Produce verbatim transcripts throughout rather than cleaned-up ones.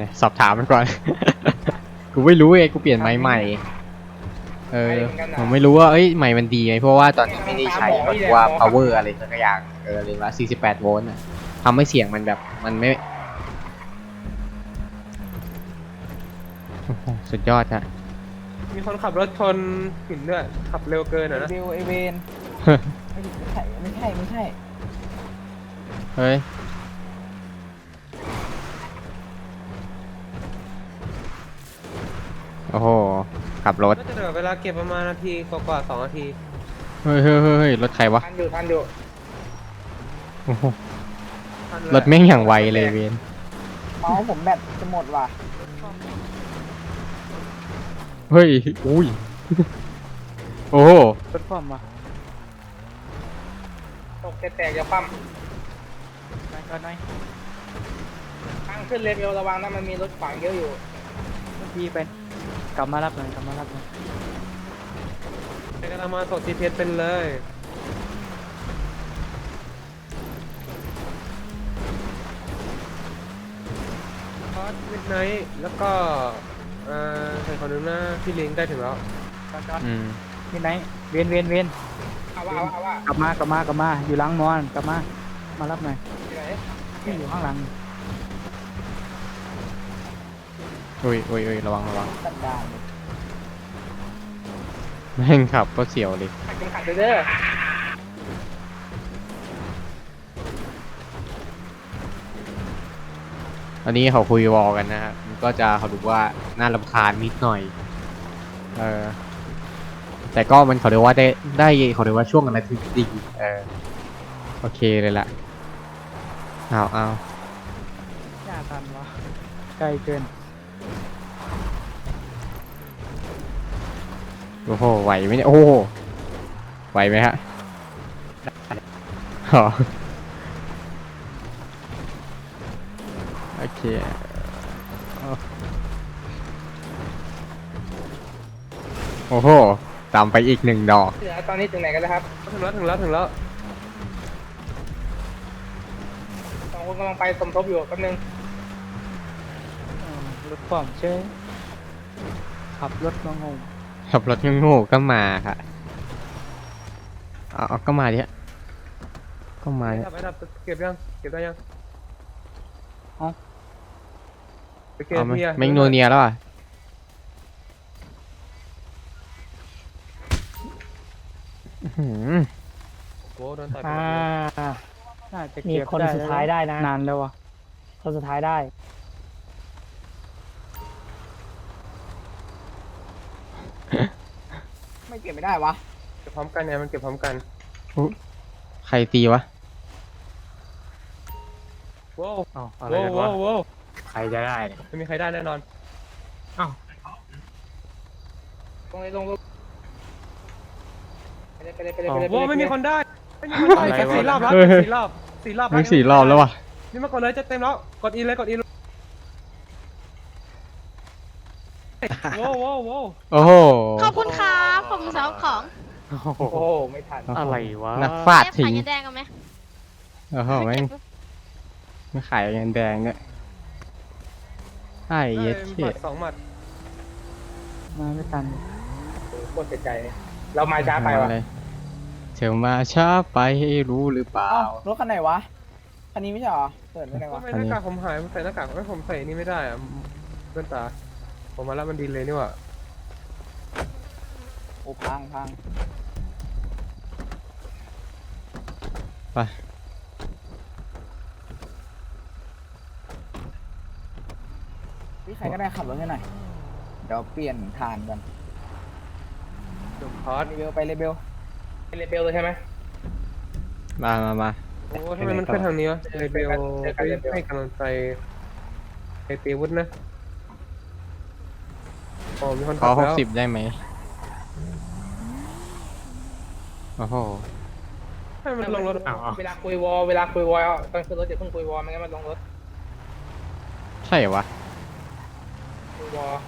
สอบถามมันก่อน กูไม่รู้เองกูเปลี่ยนไม้ใหม่เออผมไม่รู้ว่าเอ้ยใหม่มันดีไหมเพราะว่าตอนนี้ไม่ได้ใช้มันว่า power อะไรสักอย่างเออเลยว่าสี่สิบแปดโวลต์อะทำให้เสียงมันแบบมันไม่สุดยอดอะมีคนขับรถชนหินด้วยขับเร็วเกินอ่ะนะเบลเอเวนไม่ใช่ไม่ใช่ไม่ใช่เฮ้ยโอ้โหขับรถก็จะเหลือเวลาเก็บประมาณนาทีกว่าๆสองนาทีเฮ้ยเฮ้ยเฮ้ยรถใครวะทันอยู่ทันอยู่โอ้โหรถแม่งอย่างไวเลยเวนเมาส์ผมแบตจะหมดว่ะเฮ้ยอุ้ยโอ้โหรถความว่ะตกแตกๆอย่าปั้มไปก่อนหน่อยทางขึ้นเลเวลระวังนะมันมีรถขวางเยอะอยู่พี่เป็นกลับมารับหน่อยกลับมารับหน่อยในกำลังมาส่ง จี พี เอส เป็นเลยพอดมิดไนท์แล้วก็เอ่อใครคนนึงนะพี่ลิงได้ถึงแล้วอืมมิดไนท์เวียนเวียนเวียนเอาว่าเอาว่ากลับมากลับมากลับมาอยู่หลังมอนกลับมามารับหน่อยที่อยู่ข้างหลังอุ้ยอุ้ยอุ้ยระวังระวังแม่งขับก็เสียวเลยขัดขัดเด้ออันนี้เขาคุยวอลกันนะครับมันก็จะเขาดูว่าน่ารำคาญนิดหน่อยเออแต่ก็มันเขาเรียกว่าได้ได้เขาเรียกว่าช่วงอะไรที่ดีเออโอเคเลยล่ะเอาเอาอย่าทันวะไกลเกินโอ้โหไหวไหมเนี่ยโอ้โหไหวไหมฮะอ๋อโอเคโอ้โหตามไปอีกหนึ่งดอกตอนนี้ถึงไหนกันแล้วครับถึงแล้วถึงแล้วถึงแล้วสองคนกำลังไปสมทบอยู่แป๊บนึงรถความเชื่อขับรถมาโง่ขับรถโง่ก็มาค่ะเอาก็มาดิฮะก็มาเนี่ยเก็บยังเก็บได้ยังอ๋อไปเก็บเมียเมงโนเนียแล้วอ่ะโว้โดนต่อยไปมีคนสุดท้ายได้นะนานแล้วอ่ะคนสุดท้ายได้ไม่เก็บไม่ได้วะเก็บพร้อมกันเนี่ยมันเก็บพร้อมกันใครตีวะว้าวอะไรกันวะใครจะได้ไม่มีใครได้แน่นอนอ้าวลงเลยลงลงไปเลยไปเลยไปเลยไปเลยว้าวไม่มีคนได้ไม่มีคนได้แค่สี่รอบแล้วสี่รอบสี่รอบมึงสี่รอบแล้ววะนี่มากดเลยจะเต็มแล้วกดอีเลยกดอีโว้โว้โว้โอ้โหขอบคุณครับผมสาวของโอ้โหไม่ทันอะไรวะนักฟาดทิ้งขายเงินแดงกันไหมโอ้โหไม่ไม่ขายเงินแดงเนี่ยไอ้เย็ดเชี่ยสองหมัดมาไม่ทันโคตรเสียใจเรามาช้าไปวะเธอมาช้าไปให้รู้หรือเปล่ารถคันไหนวะคันนี้ไม่ใช่หรอเปิดไม่ได้วะไม่หน้ากากผมหายผมใส่หน้ากากไม่ผมใส่นี่ไม่ได้อะเพื่อนตาผมมาแล้วมันดีเลยนี่ว่ะโอ้พังพังไปพี่ใครก็ได้ขับรถให้หน่อยเดี๋ยวเปลี่ยนทานกันจุดพอดเลเบลไปเลเบลไปเลเบลเลยใช่ไหมมามามาโอ้ทำไมมันขึ้นทางนี้วะเลเบลให้กำลังใจไอเตีวุฒินะโอ้มีคนขอหกสิบได้ไหมโอ้โหให้มันลงรถเวลาคุยวอลเวลาคุยวอลตอนขึ้นรถจะเพิ่งคุยวอลไม่งั้นมันลงรถใช่วะคุยวอล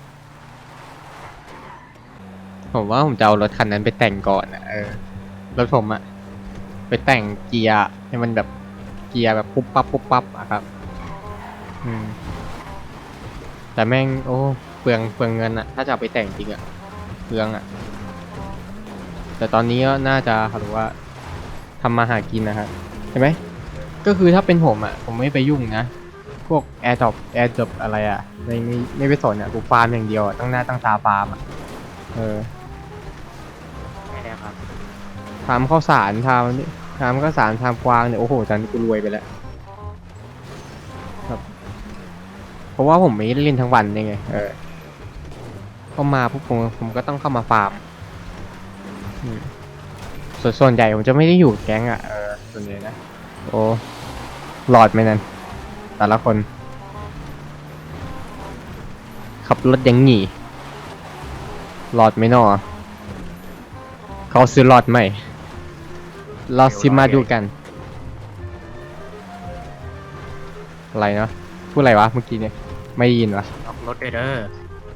ผมว่าผมจะเอารถคันนั้นไปแต่งก่อนอ่ะเออรถผมอะไปแต่งเกียร์ให้มันแบบเกียร์แบบปุ๊บปั๊บปุ๊บปั๊บอะครับอืมแต่แม่งโอ้เปลืองเปลืองเงินอะถ้าจะเอาไปแต่งจริงอะเปลืองอะแต่ตอนนี้ก็น่าจะเขาเรียกว่าทำมาหากินนะครับใช่ไหมก็คือถ้าเป็นผมอะผมไม่ไปยุ่งนะพวกแอร์ดรอปแอร์ดรอปอะไรอะไม่ไม่ไม่ไปสนอะกูฟาร์มอย่างเดียวอะตั้งหน้าตั้งตาฟาร์มอะเออไม่ได้ครับทำข้าวสารทำทำข้าวสารทำกวางเนี่ยโอ้โหตอนนี้กูรวยไปแล้วครับเพราะว่าผมไม่ได้เล่นทั้งวันยังไงเออเข้ามาปุ๊บผมผมก็ต้องเข้ามาฟาร์มอืมส่วนส่วนใหญ่ผมจะไม่ได้อยู่แก๊งอ่ะเออส่วนใหญ่นะโอ้หลอดไหมนั่นแต่ละคนขับรถยังหนีหลอดไหมนอเขาซื้อหลอดไหมเราซิมาดูกันอะไรเนาะพูดอะไรวะเมื่อกี้เนี่ยไม่ได้ยินวะล็อกรถด้วยเด้อ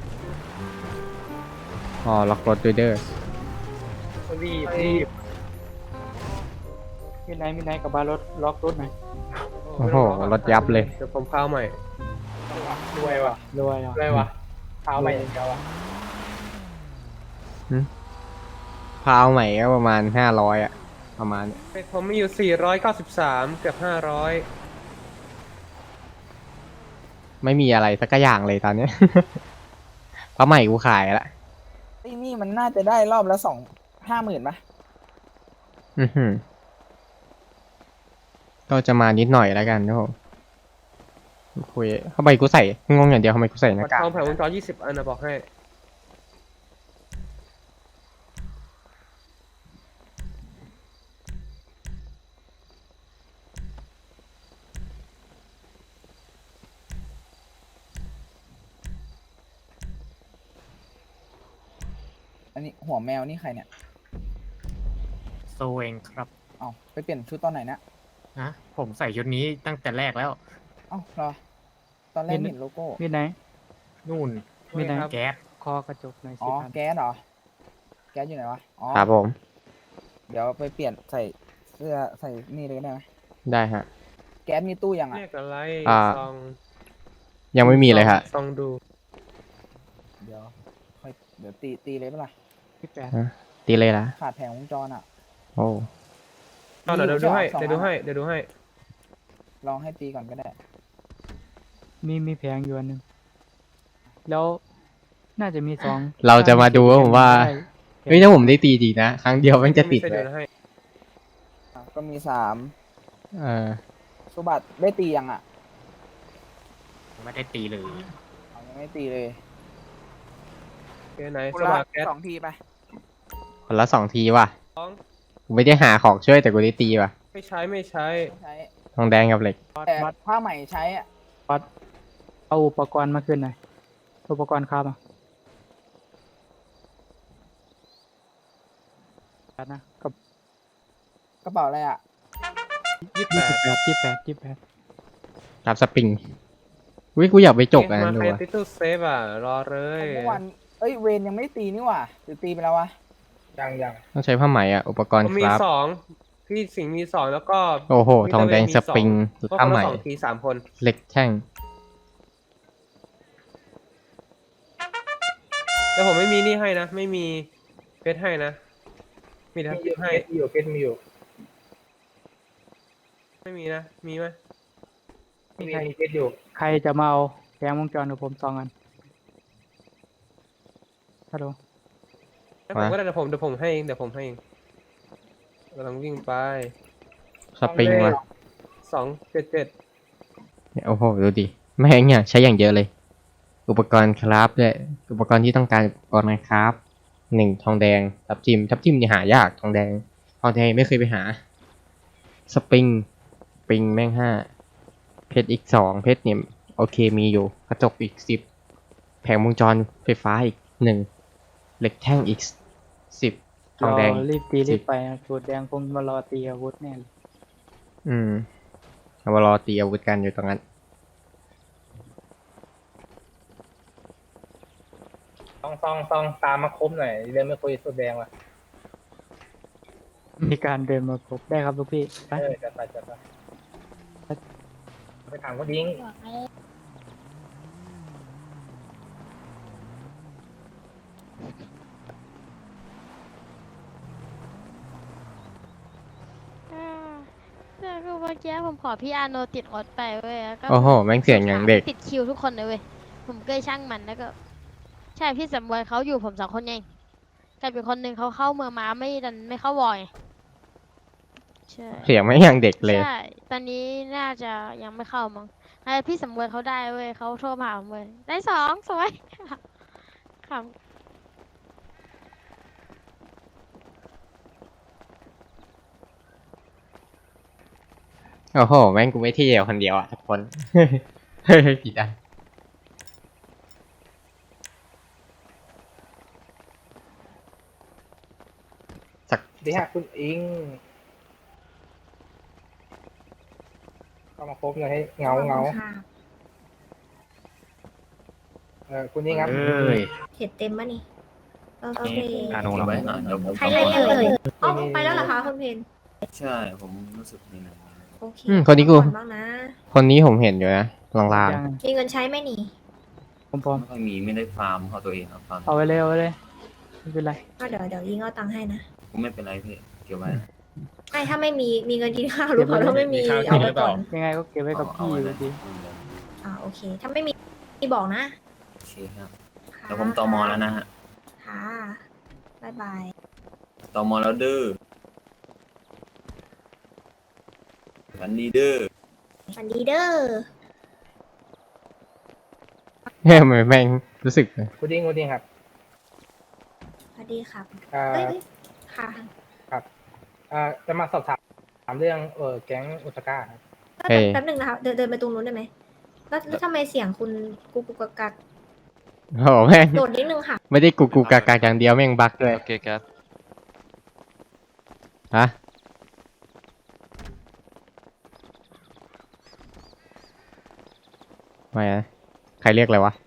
อ๋อล็อกรถด้วยเด้อรีบรีบมีไหนมีไหนกับบารถล็อกรถหน่อยโอ้โหรถยับเลยเดี๋ยวผมเข้าใหม่รวยว่ะรวยอ่ะอะไรวะเท้าไปอย่างเดียวอ่ะพาวใหม่ก็ประมาณห้าร้อยอะประมาณผมมีอยู่สี่ร้อยเก้าสิบสามเกือบห้าร้อยไม่มีอะไรสักอย่างเลยตอนเนี้ย เพราะใหม่กูขายละไอ้นี่มันน่าจะได้รอบละสองห้าหมื่นปะอือหือก็จะมานิดหน่อยแล้วกันนะผมคุยทำไมกูใส่งงอย่างเดียวทำไมกูใส่หน้ากากทองแผงวงจรยี่สิบอันนะบอกให้อันนี้หัวแมวนี่ใครเนี่ยโซเองครับเอ้าไปเปลี่ยนชุดตอนไหนนะนะผมใส่ชุดนี้ตั้งแต่แรกแล้วเอ้าเหรอ ตอนแรกมีเห็นโลโก้มีไหนนู่นมีไหนครับแก๊สคอกระจกหน่อยอ๋สิอครับแก๊สเหรอ แก๊สอยู่ไหนวะ อ๋อครับผมเดี๋ยวไปเปลี่ยนใส่เสื้อใส่นี่เลยก็ได้ไหมได้ฮะแก๊สมีตู้ยังอ่ะเรียกอะไรอ่าซองยังไม่มีเลยฮะซองดูเดี๋ยวค่อยเดี๋ยวตีตีเลยปะล่ะที่แปดตีเลยละขาดแผงวงจรอ่ะโอ้เอาเดี๋ยวเดี๋ยวดูให้สองเดี๋ยวดูอันให้เดี๋ยวดูให้ลองให้ตีก่อนก็ได้มีมีแผงอยู่อันหนึ่งแล้วน่าจะมีสองเราจะมาดูว่าผมว่าได้เฮ้ยถ้าผมได้ตีดีนะ ครั้งเดียวมันจะติดไม่เลใช่ยเดี๋ยวให้อ่ะก็มีสามเออสุบัติได้ตียังอ่ะไม่ได้ตีเลยเอายังไม่ตีเลยแกไหนคนสละมัครแก๊สสองทีไปคนละสองทีว่ะสองกูไม่ได้หาของช่วยแต่กูได้ตีว่ะไม่ใช้ไม่ใช้ไม่ใช้ทองแดงกับเหล็กแต่ผ้าใหม่ใช้อ่ะวัดเอาอุปกรณ์มาขึ้นหน่อยอุปกรณ์ครับอ่ะนะกับกระเป๋าอะไรอ่ะยี่สิบแปยี่ดสิบแปดยี่สิบแปดยี่สิบแปดรับสปริงวิกูอยากไปจกอันนั้นมาดูใครว่ะติดตู้เซฟอ่ะ รอเลยเมื่อวานเอ้ย เวนยังไม่ตีนี่หว่าหรือตีไปแล้ววะ ยังยังต้องใช้ผ้าไหมอ่ะ อุปกรณ์ผมคมีรับสองพี่สิงห์มีสองแล้วก็โอ้โห ทองแดงมีสสองปริงก็คผ้าน ไหมละสองทีสามคนเหล็กแท่งแต่ผมไม่มีนี่ให้นะ ไม่มีเพชรให้นะ มีแต่เพชรให้อยู่เพชรมีอยู่ไม่มีนะ มีไหมมีใครใครจะมาเอาแผงวงจรกับผมสองอันฮัลโหลแล้วผมก็ได้เดี๋ยวผมเดี๋ยวผมให้เองเดี๋ยวผมให้เองกำลังวิ่งไปสปริงว่ะสองเจ็ดเจ็ดเนี่ยโอ้โห ดูดิ แม่งเนี่ยใช้อย่างเยอะเลย อุปกรณ์คราฟด้วยอุปกรณ์ที่ต้องการอุปกรณ์คราฟหนึ่งทองแดง ทับทิม ทับทิมนี่หายาก ทองแดง ทองแดงไม่เคยไปหา สปริง สปริงแม่งห้า เพชรอีกสอง เพชรเนี่ยโอเคมีอยู่ กระจกอีกสิบ แผงวงจรไฟฟ้าอีกหนึ่ง เหล็กแท่งอีกสิบ ทองแดงรรีบตีสิรีบบไปนะสูตรแดงคงมารอตีอาวุธแน่เลยอืมเอามารอตีอาวุธกันอยู่ตรงนั้นต้องต้องต้องตามมาคบหน่อยเรื่องไม่คุยสุดแดงว่ะมีการเดินมาพบได้ครับลูกพี่ไปเออจัดไปจัดไปไปถามคนยิงมื่อกี้ผมขอพี่อาโนติดรถไปเว้ยแล้วก็โอ้โหแม่งเสียงอย่างเด็กติดคิวทุกคนเลยเว้ยผมก็เลยช่างมันแล้วก็ ใช่พี่สำรวยเขาอยู่ผมสองคนเองแต่เป็นคนหนึ่งเขาเข้าเมืองมาไม่ดันไม่เข้าวอยใช่เสียงไม่งอย่างเด็กเลยใช่ ตอนนี้น่าจะยังไม่เข้ามั้งให้พี่สำรวยเขาได้เว้ยเขาโทรมาหาผมเว้ยได้สองสวย ขำโอ้โหแม่งกูไม่เที่ยวคนเดียวอ่ะทุกคน ผิดอ่ะสักดีฮะคุณอิงเข้ามาครบเลยให้เงาเงาเออคุณอิงครับเอ้ยเห็ดเต็มมะนี่โอเคการลงไว้หน่อยเดี๋ยวผมใครเล่นเอ่ยอ๋อไปแล้วเหรอคะคุณเพนใช่ผมรู้สึกนี่นะโอเคอืมคนนี้กูพัผ่อบ้างนะคนนี้ผมเห็นอยู่นะลางยังมีเงินใช้ไหมนี่ผมพร้อมไม่ค่อยมีไม่ได้ฟาร์มเขาตัวเองครับฟาร์มเอาไว้เลยเอาไว้เลยไม่เป็นไรก็เดี๋ยวเดี๋ยวยิงเอาตังค์ให้นะผมไม่เป็นไรพี่เก็บไว้ไอ้ถ้าไม่มีมีเงินกินข้าวหรือเปล่าถ้าไม่มีเอาไปก่อนยังไงก็เก็บไว้กับเอาพี่ไว้อเลยู่ยดีอ่าโอเค ถ้าไม่มีมีบอกนะโอเคครับค่ะเดี๋ยวผมตอมอแล้วนะฮะค่ะบ๊ายบายตอมอแล้วเด้อวันนี้เด้อสวัสดีเด้อๆเฮ้ยแม่งแม่งรู้สึกคุณอิงคุณอิงครับสวัสดีครับอ่าเอ้ยเอ้ยค่ะครับอ่าจะมาสอบถามถามเรื่องเออแก๊งอุตกาครับเฮ้ยแป๊บหนึ่งนะคะเดินเดินไปตรงนู้นได้ไหมแล้วแล้วทำไมเสียงคุณกุกกุกกักกักโอ้โหแม่งโดดนิดนึงค่ะไม่ได้กูกูกากากอย่างเดียวแม่งบักด้วยโอเคครับฮะไม่นะใครเรียกอะไรวะ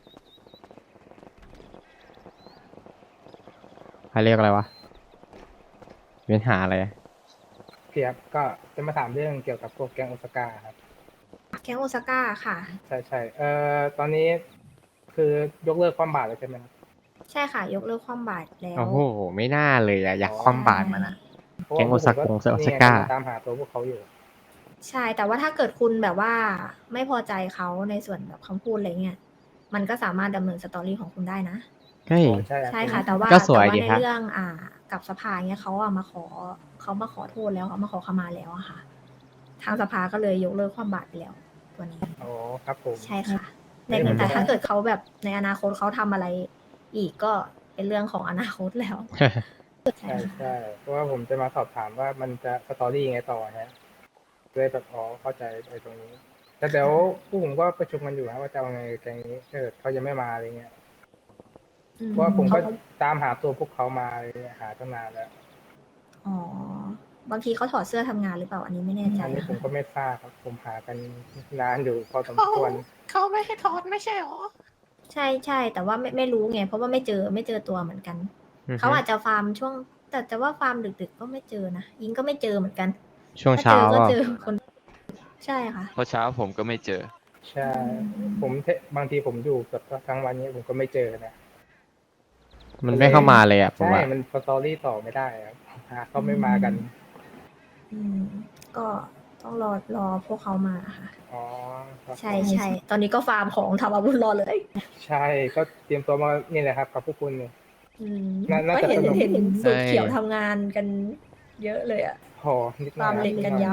ใครเรียกอะไรวะมีปัญหาอะไรอะเพียบก็จะมาถามเรื่องเกี่ยวกับพวกแก๊งอุตกาครับแก๊งโอซาก้าค่ะใช่ใช่เอ่อตอนนี้คือยกเลิกความบาดแล้วใช่ไหมครับใช่ค่ะ ยกเลิกความบาดแล้วโอ้โหไม่น่าเลยอะอยากคว่ำบาตรมันอะเพราะแก๊ว่างโอซาผมโอซานี่ไงก้าตามหาตัวพวกเขาอยู่ใช่ แต่ว่าถ้าเกิดคุณแบบว่าไม่พอใจเขาในส่วนแบบคำพูดอะไรเงี้ย มันก็สามารถดำเนินสตอรี่ของคุณได้นะเฮ้ยใช่รับใช่ค่ะ แต่ว่าก็สวยแต่ดีว่าในครับเรื่องอ่ากับสภาเงี้ยเขาอะมาขอเขามาขอโทษแล้วเขามาขอขมาแล้วอะค่ะ ทางสภาก็เลยยกเลิกความบาดไปแล้วตัวนี้โอ้ครับผมใช่ค่ะไม่ในเหมือนแต่กันถ้าเกิดเขาแบบในอนาคตเขาทำอะไรอีกก็เป็นเรื่องของอนาคตแล้ว ใช่ใช่ค่ะใช่เพราะว่าผมจะมาสอบถามว่ามันจะสตอรี่ยังไงต่อฮะเลยแบบอ๋อเข้าใจไอ้ตรงนี้ แต่เดี๋ยวผู้ผมก็ประชุมกันอยู่นะว่าจะเอาไงแกงนี้เออเขายังไม่มาอะไรเงี้ยอืมเพราะว่าผมก็เขาตามหาตัวพวกเขามาอะไรเงี้ยหาตั้งนานแล้วอ๋อบางทีเขาถอดเสื้อทำงานหรือเปล่าอันนี้ไม่แน่ใจอันนี้นะผมคะก็ไม่ทราบครับผมหากันนานอยู่พอสมควรเขาไม่ให้ถอนไม่ใช่หรอใช่ใช่แต่ว่าไม่ไม่รู้ไงเพราะว่าไม่เจอไม่เจอตัวเหมือนกันอือฮึเขาอาจจะฟาร์มช่วง แต่แต่ว่าฟาร์มดึกๆก็ไม่เจอนะยิงก็ไม่เจอเหมือนกันช่วงถ้าเช้าเจอก็อะเจอคน ใช่ค่ะเพราะเช้าผมก็ไม่เจอใช่ ผมเทบางทีผมอยู่แบบทั้งวันนี้ผมก็ไม่เจอนะมันไม่เข้ามาเลยอะผมใช่ว่ามันสตอรี่ต่อไม่ได้ครับหาเขาไม่มากันอืมก็ต้องรอรอพวกเขามาค่ะอ๋อครับใช่ใช่ตอนนี้ก็ฟาร์มของทำอาวุธรอเลยใช่ก็เตรียมตัวมานี่แหละครับกับพวกคุณเนี่ยอืมน่าน่าก็จะเห็นสนุกเห็นสูตรใช่เขียวทำงานกันเยอะเลยอะพอนิดหน่ฟาอร์ยมเหล็กกันยับ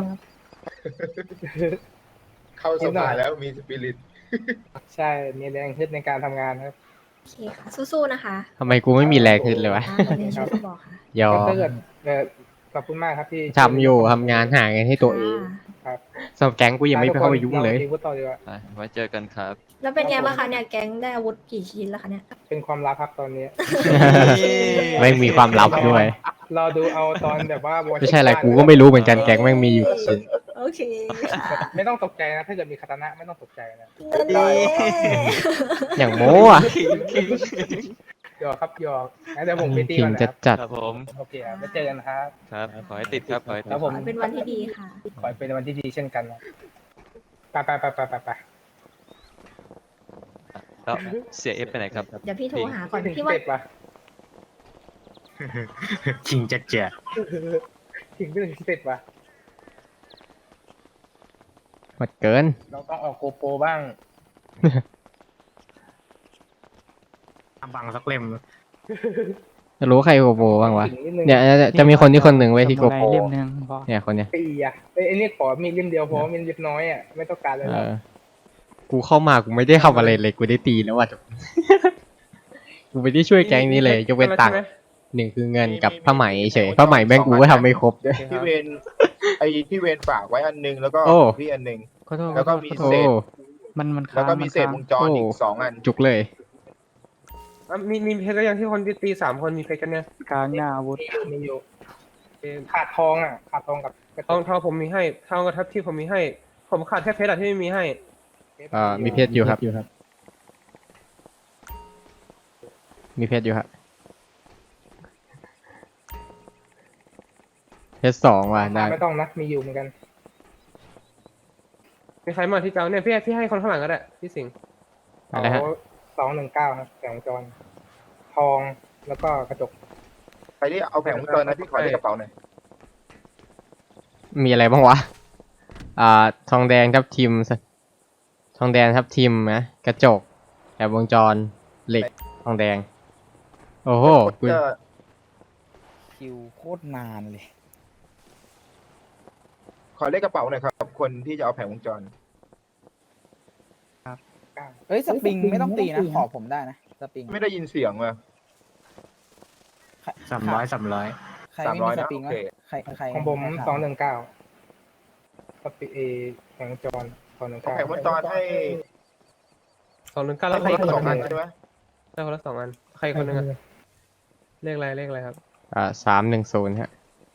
เข้าสภาแล้วมีสปิริตใช่ มีแรงขึ้นในการทำงานครับโอเคค่ะ สู้ๆนะคะทำไมกูไม่มีแรงขึ้นเลยวะอ่าเดี๋ยวช่วยบอกค่ะยอก็ถ้าเกิดเอ่อขอบคุณมากครับที่ทำอยู่ทำงานหาเงินให้ตัวเองค่ะครับสำหรับแก๊งกูยังไม่ไปเข้าไปยุ่งเลยราตีวุฒิต่อดีกว่าไปไว้เจอกันครับแล้วเป็นไงบ้างคะเนี่ยแก๊งได้อาวุธกี่ชิ้นแล้วคะเนี่ยเป็นความลับครับตอนนี้ไม่มีความลับด้วยรอดูเอาตอนแบบว่าไม่ใช่อะไรกูก็ไม่รู้เหมือนกันแก๊งแม่งมีอยู่กี่ชิ้นโอเคไม่ต้องตกใจนะ ถ้าเกิดมีคาตานะไม่ต้องตกใจนะอย่างโม้อะหยอกครับหยอกงั้นเดี๋ยวผมไปตีขิก่งอนนะจัคดรับจัดครับผมโอเคครับไว้เจอกันนะครับครับ ขอให้ติดครับ ขอให้ติครัดบผมเป็นวันที่ดีค่ะขอให้เป็นวันที่ดีเช่นกันนะไปไปไปไปไปไปแล้วเสียเอฟไปไหนครับเดี๋ยวพี่โทรหาก่อนถึงพี่สว่าเต็ปปะจริงจัดเจ๋ถึงไม่ถึงสเต็ปปะหมดเกินเราต้องออกโกโปรบ้างบังสักเล่มจะรู้ใครโกโปรบ้างวะถึงนิดนึงเนี่ยจะจะมีคนที่คนหนึ่งไว้ยที่โกสมุไรโปรเล่มหนึงพอเนี่ยคนเนี้ยตีอ่ะไอ้ยไอ้นี่ขอมีเล่มเดียวพอมีเล็บน้อยอ่ะไม่ต้องการเลยเอแล้วอ กูเข้ามากูไม่ได้ทำอะไรเลยกูได้ตีแล้วว่ะจบ กูไม่ได้ช่วยแก๊งนี้เลยยกเว้นตังค์หนึ่งคือเงินกับผ้าไหมเฉยผ้าไหมแม่งกูก็ทำไม่ครบด้วยพี่เวนไอพี่เวนฝากไว้อันนึงแล้วก็โอ้พี่อันนึงขอโทษแล้วก็ขอมีโทโอ้ษเศษมันมันแล้วค้างก็มัมีนเศษค้างวงจรอีกสองอันจุกเลยอ่ะมีมีเพชรแล้วยังที่คนที่ตีสามคนมีเพชรกันเนี่ยค้างหน้าอาวุธมีอยู่ขาดทองอ่ะขาดทองกับกระทองทองผมมีให้ทองกับทัพที่ผมมีให้ ผมขาดแค่เพชรอะที่ไม่มีให้เอ่อมีเพชรอยู่ครับมีเพชรอยู่ครับเพชรสองว่ะได้ไม่ต้องนะมีอยู่เหมือนกันมีใครมาที่เจ้าเนี่ยพี่พี่ให้คนข้างหลังก็ได้พี่สิงห์อะไรฮะสองหนึ่งเก้าครับแผงวงจร ทองแล้วก็กระจกใครที่เอาแผงวงจรนะพี่ขอในกระเป๋าหน่อยมีอะไรบ้างวะ อ่า ทองแดงทับทิม ทองแดงทับทิมนะ กระจกแอบวงจร เหล็ก ทองแดง โอ้โหกูจะคิวโคตรนานเลยขอเลขกระเป๋าหน่อยครับ คนที่จะเอาแผงวงจรเอ้ยสปริงไม่ต้องตีนะ ขอผมได้นะสปริงไม่ได้ยินเสียงว่ะสามร้อยสามร้อยใครไม่มีสปริงสามร้วะอยนะโอเคใครใครของผมใครถาสองหนึ่งเก้าสปีเอแผงวงจรสองหนึ่งเอาเก้าแผงวงจรให้สองหนึ่งเก้าแล้วให้ใครคนอีกละคสอน งหอันึ่นงใช่ไหมได้คนละสองอันใครคนหนึ่งอะเลขอะไรเลขอะไรครับอ่าสามหนึ่งศูนย์ฮะ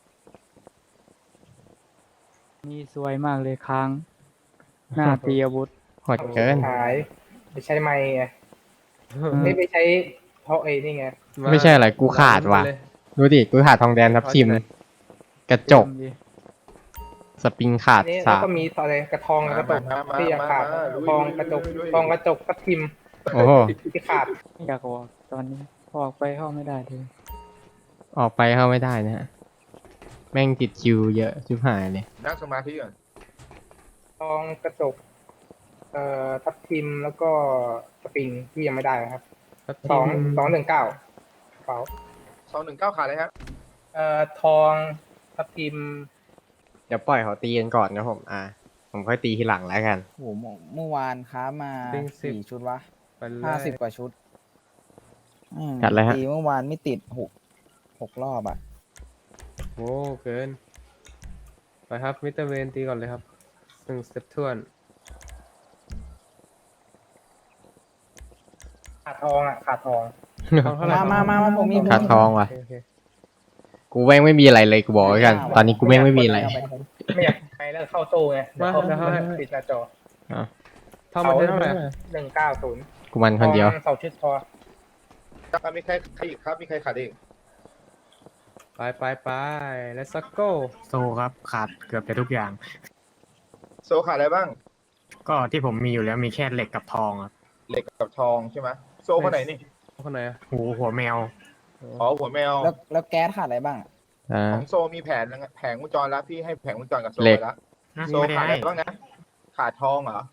นี่สวยมากเลยค้าง หน้าตีอาวุธโหดเกินขายไปใช้ไม้ไงไม่ไปใช้เพราะไอ้นี่ไงไม่ใช่อะไร กูขาดว่ะ ดูดิ กูขาดทองแดงทับทิม กระจก สปริงขาดนี่สาแล้วมก็มีอะไรกระทองกระจกมามาที่ยังขาดมามาทองกระจกทองกระจกกระทิมโอ้โหที่ขาดไม่อยากออกตอนนี้ออกไปเข้าไม่ได้เลยออกไปเข้าไม่ได้นะฮะ แม่งติดคิวเยอะชิบหายเลยนั่งสมาธิก่อนทองกระจกเอ่อทับทิมแล้วก็สปริงที่ยังไม่ได้นะครับสองสองหนึ่งเก้ากระเป๋าสองหนึ่งเก้าขาดเลยครับเอ่อทองทับทิมเดี๋ยวปล่อยเขาตีกันก่อนนะผม อ่า ผมค่อยตีทีหลังแล้วกันโอ้โหเมื่อเมื่อวานค้ามาจริงสิบสี่ชุดวะไปเลยห้าสิบกว่าชุดอืมจัดเลยฮะตีเมื่อวานไม่ติดหกหกรอบอ่ะโอ้เกิน ไปครับมิสเตอร์เวนตีก่อนเลยครับหนึ่งสเต็ปทวนขาดทองอ่ะขาดทองทองเท่าไหร่มามามามาผมมีขาดทองว่ะโอเคโอเคกูแม่งไม่มีอะไรเลยกูบอกไว้กัน ตอนนี้กูแม่งไม่มีอะไรไม่อยากไปแล้วเข้าตู้ไงเดี๋ยวเข้าเข้าให้ปิดหน้าจอทองมันเท่าไหร่หนึ่งเก้าศูนย์กูมันคนเดียวสองชุดพออ่ะมีใครใครอีกครับ มีใครขาดอีกไปไปไป let's go โซครับ ขาดเกือบจะทุกอย่างโซขาดอะไรบ้างก็ที่ผมมีอยู่แล้วมีแค่เหล็กกับทองครับเหล็กกับทองใช่ไหมโซคนไหนนี่คนไหนอะหูหัวแมวอ๋อหัวแมวแล้วแล้วแก๊สขาดอะไรบ้างอะอ่าของโซมีแผนแล้วไงแผงวงจรแล้วพี่ให้แผงวงจรกับโซเหล็กไปแล้วนะโซไม่ได้ขาดอะให้ไรบ้างนะ ขาดทองเหรอ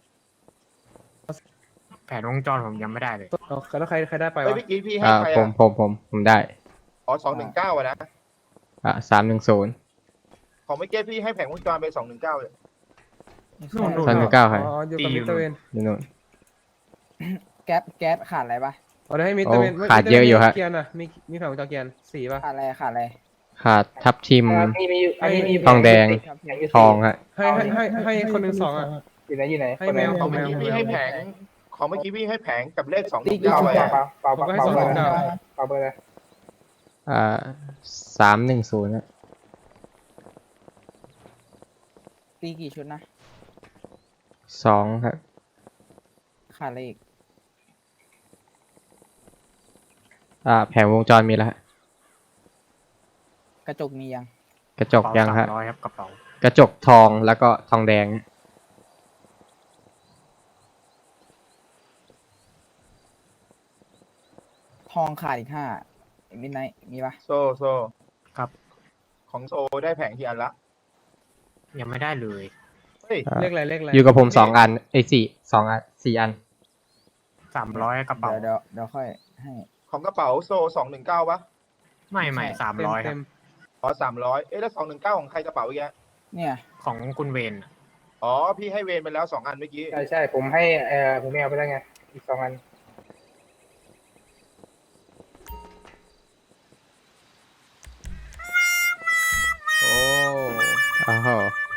แผนวงจรผมยังไม่ได้เลยเอาแล้วใครใครได้ไปเฮ้ยวะเมื่อกี้พี่ให้อ่าใครผมอ่ะผมผมผมได้อ๋อสองหนึ่งเก้าอะนะอ่าสามหนึ่งศูนย์ของเมื่อกี้พี่ให้แผงวงจรไปสองหนึ่งเก้าเลยนู่นนู่นสามหนึ่งเก้าใครอ๋ออยู่กับตีอยู่มิสเตอร์เวนนี่นู่นแก๊สแก๊สขาดอะไรปะเอาได้ให้มิสเตอร์เวนโอ้ขาดเยอะอยู่ฮะเกียร์น่ะมีมีแผงวงจรเกียร์สี่ป่ะขาดอะไรขาดอะไรขาดทับทิมอ่ามีมีอยู่อันนี้มีทองแดงแผอยู่ทองฮะให้ให้ให้ให้คนหนึ่งสองอ่ะอยู่ไหนอยู่ไหนให้แมวของเมื่อกี้พี่ให้แผง ของเมื่อกี้พี่ให้แผงกับเลขสองหนึ่งเก้าเปไปล่าอะเปล่าเปล่าผมก็ให้เปล่าสองเปล่าเก้าเปล่าเบอร์เลยอ่าสามหนึ่งศูนย์ฮะตีกี่ชุดนะสองฮะขาดอะไรอีกอ่า แผงวงจรมีแล้วฮะกระจกมียังกระจกยังฮะสามร้อยครับกระเป๋ากระจกทองแล้วก็ทองแดงทองขาดอีกห้ามิดไนท์มีปะโซโซครับของโซได้แผงกี่อันละยังไม่ได้เลยเฮ้ยเลขอะไรเลขอะไรอยู่กับผมสองอันไอ้ยสี่สองอันสี่อันสามร้อยกระเป๋าเดี๋ยวเดี๋ยวเดี๋ยวค่อยให้ของกระเป๋าโซสองหนึ่งเก้าปะไม่ไม่สามร้อยคเต็รับมอ๋อสามร้อยเอ๊ะแล้วสองหนึ่งเก้าของใครกระเป๋าอีกอะเนี่ยของคุณเวนอ๋อพี่ให้เวรไปแล้วสองอันเมื่อกี้ใช่ใช่ผมให้เอ่อผมไม่เอาไปแล้วไงอีกสองอันๆโอ้โอ้โห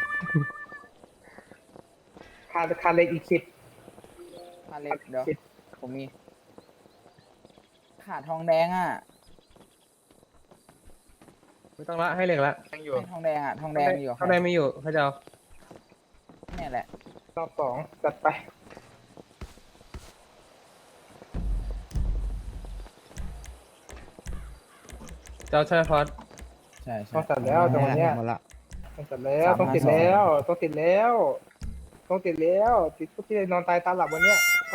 คาคาเล็กอีกสิบมาเล็กเดี๋ยวผมมี ขาดทองแดงอ่ะไม่ต้องละให้เหล็กละยังอยู่ไม่ทองแดงอ่ะทองแดงมีอยู่ข้างในไม่อยู่เขาจะเอาเนี่ยแหละรอบสองจัดไปจะเอาใช่ไหมพอดใช่ใช่ต้องจัดแล้วจังหวะเนี้ยหมดละต้องจัดแล้วต้องติดแล้วต้องติดแล้วต้องติดแล้วติดพวกที่นอนตายตาหลับวันเนี้ยโอ้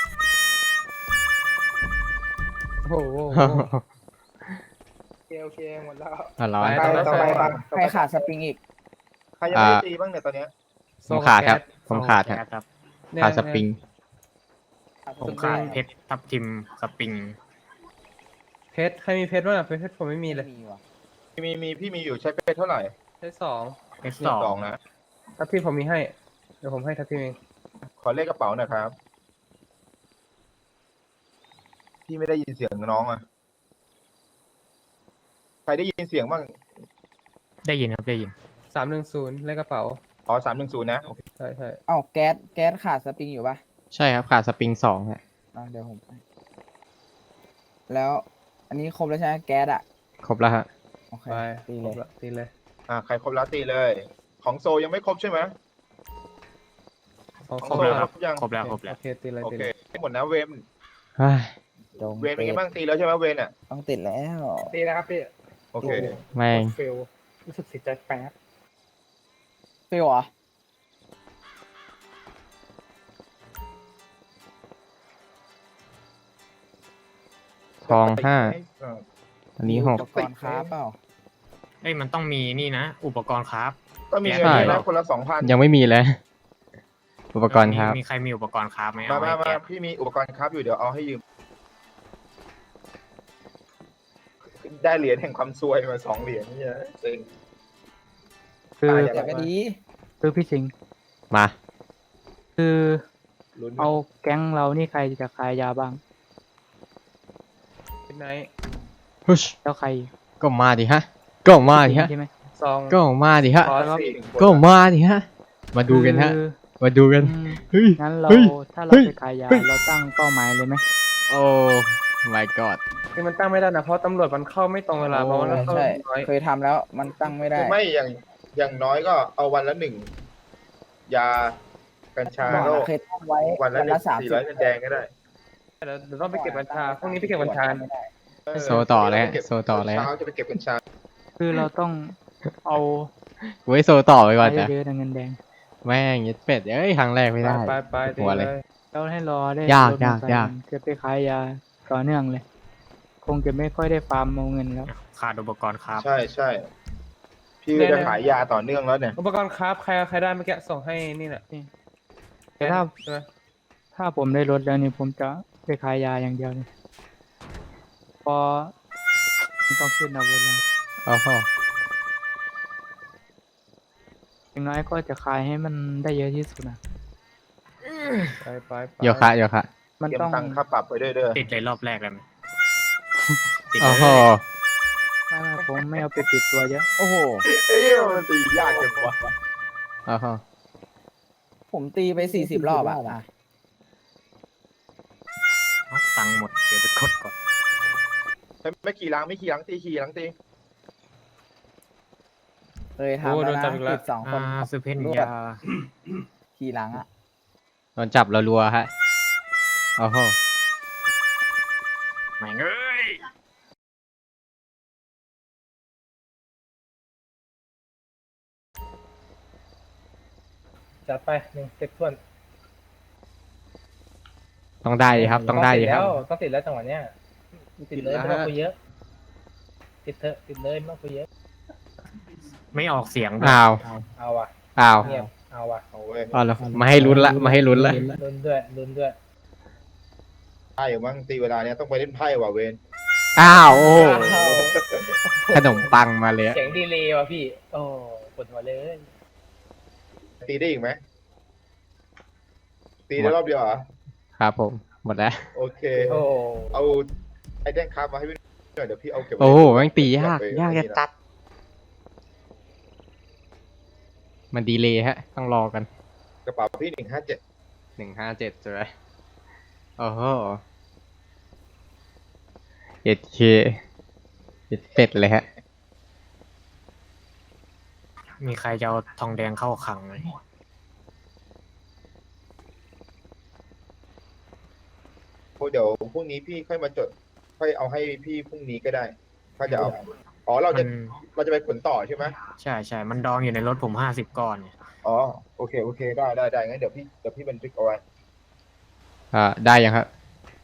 โอ้โหโอเคโอเคหมดแล้วอ่ะร้อยไปต่อไปบ้างใครขาดสปริงอีกใครยังไม่ได้ตีบ้างเนี่ยตอนเนี้ยผมขาดครับ ผมขาดครับครับเนี่ยขาดสปริงผมขาดเพชรทับทิมสปริงเพชรใครมีเพชรบ้างอะเพชรผมไม่มีเลยมีว่ะมีมีพี่มีอยู่ใช้เพชรเท่าไหร่เพชรสองเพชรสองสองนะทัพพี่ผมมีให้เดี๋ยวผมให้ทัพพี่เองขอเลขกระเป๋าหน่อยครับ พี่ไม่ได้ยินเสียงน้องอ่ะ ใครได้ยินเสียงบ้างได้ยินครับได้ยินสามหนึ่งศูนย์เลขกระเป๋าอ๋อสามหนึ่งศูนย์นะโอเคใช่ใช่เอ้าแก๊สแก๊สขาดสปริงอยู่ปะใช่ครับขาดสปริงสองฮะอ่ะเดี๋ยวผมให้แล้ว อันนี้ครบแล้วใช่ไหมแก๊สอ่ะครบแล้วฮะโอเคไปตีคเลรยบละตีเลยอ่าใครครบแล้วตีเลย ของโซยังไม่ครบใช่ไหมของของครบโซแล้วคครรับบยังครบแล้วครบแล้วโอเคตีเลยโอตีเคเลยหมดนะเวมเฮ้ยจงเวมเป็นไงบ้างตีแล้วใช่ไหมเวนอ่ะต้องติดแล้วตีนะครับพี่โอเคแม่งเฟลรู้สึกเสียใจแป๊บฟิวเหรอทองห้าเอออันนี้หกอุปกรณ์ค้าเปล่าเอ้ยมันต้องมีนี่นะ อุปกรณ์ครับก็มีใช่เงินนี้นะคนละสองพันยังไม่มีเลย อุปกรณ์ครับมีมีใครมีอุปกรณ์ครับไหมมาเอามาให้มาแกพี่มีอุปกรณ์ครับอยู่เดี๋ยวเอาให้ยืม ได้เหรียญแห่งความซวยมาสองเหรียญเนี่ยเซ็งคือตายอย่าแต่ก็ดีคือพี่สิงห์มาคือลุ้นเอาแก๊งเรานี่ใครจะขายยาบ้างเป็นไนท์ฮึชแล้วใครก็มาดิฮะ ก็มาดิพี่สิงฮะห์ใช่ไหมซองก็มาดิฮะพอสี่สิคนก็มาดิฮะ มาดูกันฮะคือมาดูกันอืมเฮ้ยงั้นเราเฮ้ยถ้าเราเฮ้ยไปขายยาเฮ้ยเราตั้งเป้าหมายเลยไหมโอ้ my god คือมันตั้งไม่ได้นะเพราะตำรวจมันเข้าไม่ตรงเวลาเพราะว่ามันเข้าใช่น้อยเคยทำแล้วมันตั้งไม่ได้ไม่อย่างอย่างน้อยก็เอาวันละหนึ่งยากัญชาก่อนโรอะคเคยตั้งไว้วันละวันหนึ่ละงสามสี่สิบร้อยเงินแดงก็ได้เดี๋ยวเดี๋ยวต้องไปเก็บกัญชาพรุ่งนี้ไปเก็บกัญชาเออโซต่อเลยฮะโซต่อเลยฮะเช้าจะไปเก็บกัญชาคือเราต้องเอาไว้โซต่อไปก่อนไปนะเยอะๆนะเงินแดงแม่งยัดเป็ดเอ้ยครั้งแรกไม่ได้ไปไปตีหัวเลเลยยแล้วให้รอได้ยากรถมอเตอร์ไซค์ยากจะไปขายยาต่อเนื่องเลย คงจะไม่ค่อยได้ฟาร์มเอาเงินแล้วขาดอุปกรณ์ครับใช่ใช่พี่จะขายยาต่อเนื่องแล้วเนี่ยอุปกรณ์คราฟใครใครได้เมื่อกี้ส่งให้นี่แหละแต่ถ้าใช่ไหมถ้าผมได้รถแล้วนี่ผมจะไปขายยาอย่างเดียวเลยพอมันต้องขึ้นอาวุธแล้วโอ้โหอย่างน้อยก็จะขายให้มันได้เยอะที่สุดนะไปไปไปโยคะโยคะมันเตรียมต้องตังค่าปรับไปด้วยเด้อติดเลยรอบแรกเลยไหมติดเลโอ้ยโหไม่ไม่ผมไม่เอาไปปิดตัวเยอะโอ้โหเอ้ยมันตียากจังวะโอ้โหผมตีไปสี่สิบรอบอะอ่ะเอาตังค์หมดเดี๋ยวไปกดก่อนไม่ไม่ขี่หลังไม่ขี่หลังตีขี่หลังตีเคยทำแล้วนะติดสองคนอ่าซื้อเพนรวดยาขี่หลังอะโดนจับรัวๆฮะ โอ้โหแม่งเอ้ยจัดไปหนึ่งเซ็ตทวนต้องได้ดิครับ ต้องได้ดิครับต้องติดแล้วจังหวะเนี้ยติดเลยไม่ต้องคุยเยอะ ติดเถอะติดเลยไม่ต้องคุยเยอะไม่ออกเสียงด้วยอ้าวเอาอ่ะอ้าวเงียบเอาว่ะเอาเว้ยอ๋อแล้วมาให้ลุ้นละมาให้ลุ้นละลุ้นด้วยลุ้นด้วยไพ่มั้งตีเวลาเนี้ยต้องไปเล่นไพ่ว่ะเวนอ้าวโอ้โหขนมปังมาเลยอะเสียงดีเลยว่ะพี่ โอ้ปวดหัวเลยตีได้อีกไหมตีได้รอบเดียวเหรอครับผมหมดแล้วโอเคโอ้เอาไอ้แดงคาร์บมาให้พี่หน่อยเดี๋ยวพี่เอาเก็บไว้โอ้โหแม่งตียากไปยากจะตัด มันดีเลยฮะ ต้องรอกันกระเป๋าพี่หนึ่งห้าเจ็ดหนึ่งห้าเจ็ดใช่ไหมโอ้โหเอ็ดเคเอ็ดเป็ดเลยฮะมีใครจะเอาทองแดงเข้าขังไหมเดี๋ยวพรุ่งนี้พี่ค่อยมาจด ค่อยเอาให้พี่พรุ่งนี้ก็ได้ ถ้าจะเอา อ๋อเราจะเราจะไปขนต่อใช่ไหมใช่ใช่มันดองอยู่ในรถผมห้าสิบก้อนเนี่ยอ๋อโอเคโอเคได้ได้ได้งั้นเดี๋ยวพี่เดี๋ยวพี่บันทึกเอาไว้อ่า ได้ยังครับ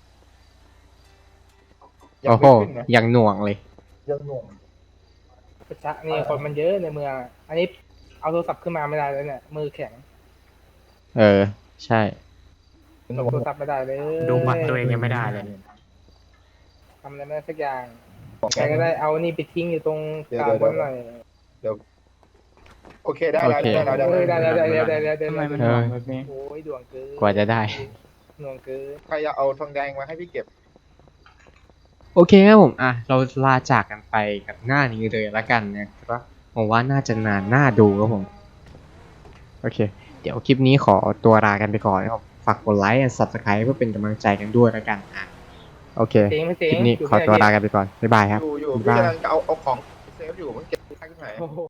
ยังโอ้โหไม่ขึ้นนะยังหน่วงเลยยังหน่วงประชะนี่คนมันเยอะในเมืองอะอันนี้เอาโทรศัพท์ขึ้นมาไม่ได้เลยเนี่ย มือแข็งเออ ใช่ส่งโทรศัพท์ไม่ได้เลยดูบัตรตัวเองยังไม่ได้เลยเนี่ยทำอะไรไม่ได้สักอย่างใครก็ได้เอานี่ไปทิ้งอยู่ตรงกลางบนหน่อยโอเคได้แล้วโอเคได้แล้วเออได้ได้แล้วได้ได้ได้ได้ได้ทำไมมันเอหน่วองแบบนี้โอ้ยด่วงเกินกว่าจะได้หน่วงเกินใครจะเอาทองแดงมาให้พี่เก็บโอเคครับผม อ่ะ เราลาจากกันไปกับหน้านี้เลยละกันนะครับผมว่าน่าจะนานน่าดูครับผม โอเค เดี๋ยวคลิปนี้ขอตัวลากันไปก่อนนะครับฝากกดไลค์และ ซับสไครบ์ เพื่อเป็นกำลังใจกันด้วยละกัน อ่ะ โอเคเสียงไม่คเสียงลิปนี้ยู่ขอตัวไม่ได้ลากันไปก่อน บ๊ายบายครับอยู่อยู่บ๊ายพี่บายกำลังจะเอาเอาของเซฟอยู่มันเก็บได้ที่ไหนโอ้โห